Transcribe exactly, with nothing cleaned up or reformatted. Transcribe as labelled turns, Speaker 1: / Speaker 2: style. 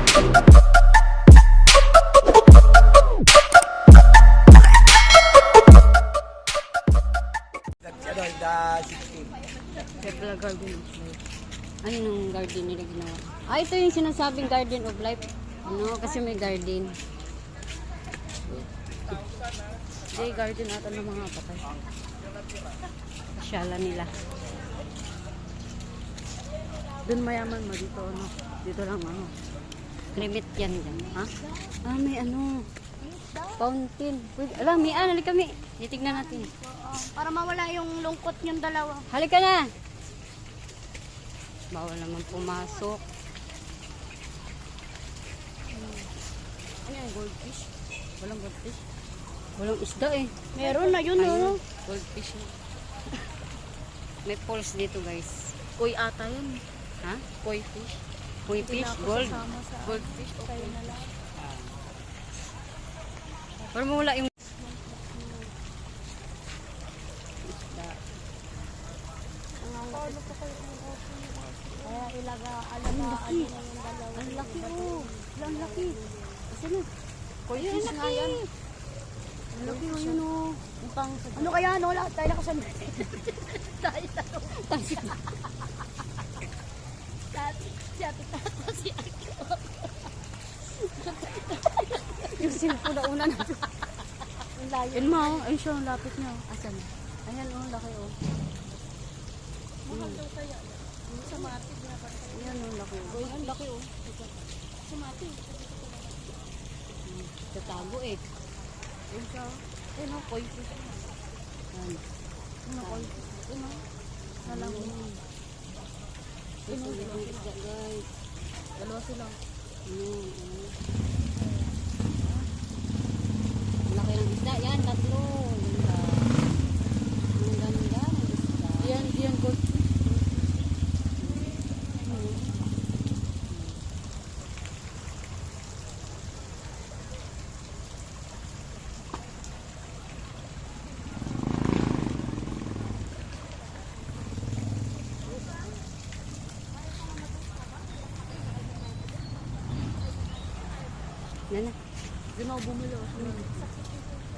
Speaker 1: Kepler Garden of Life. Ano yung garden nila ginawa? Ah, ito yung sinasabing Garden of Life. Ano, kasi may garden. Hindi, garden ata ng mga patay. Pasyalan nila. Doon mayaman mo dito, ano? Dito lang, ano? Limit yan dyan, ha? Ah, may ano? Fountain. Pwede, alam, may ano, halika kami. Titignan natin.
Speaker 2: Uh, para mawala yung lungkot yung dalawa.
Speaker 1: Halika na! Bawal naman pumasok. Hmm. Ano yung goldfish? Walang goldfish? Walang isda eh.
Speaker 2: Meron na yun,
Speaker 1: Ayun,
Speaker 2: oh.
Speaker 1: goldfish. May falls dito guys.
Speaker 2: Kuy ata yun.
Speaker 1: Ha?
Speaker 2: Kuy fish.
Speaker 1: Koi fish, gold.
Speaker 2: Goldfish, okay na lang.
Speaker 1: Para mawala yung isda.
Speaker 2: Kaya ilaga, alagaan nyo na yung dalawa.
Speaker 1: Ang laki oh. Ang laki. Asan na?
Speaker 2: Kuy
Speaker 1: Ayun,
Speaker 2: fish
Speaker 1: ang
Speaker 2: nga
Speaker 1: laki.
Speaker 2: yan.
Speaker 1: Ang laki oh, yun oh. Ang pang sa
Speaker 2: Ano kaya, no? Lahat tayo nakasunod. Tayo na to. Si ate tato, si ate.
Speaker 1: yung simpo na una na.
Speaker 2: Ang layo.
Speaker 1: Yun ma, oh. Ayun siya, ang lapit niya oh. Asan? Ayan oh, laki oh.
Speaker 2: Mahal daw kaya. Yung sa mati, binabantay.
Speaker 1: Ayan oh, laki oh. Ang laki oh.
Speaker 2: Sa mati.
Speaker 1: Tatago eh. Ayun siya oh. Ayun oh, koi fish. Ayan.
Speaker 2: Ano koi fish? Ano?
Speaker 1: Alam mo. Ayun oh, itong isda guys.
Speaker 2: Dalawa sila.
Speaker 1: Ayun, ayun. Ang laki ng isda. Yan, tatlo. Ganda. Ang ganda ng isda.
Speaker 2: Yan, yan gold.
Speaker 1: Yan na.
Speaker 2: Doon ako bumili.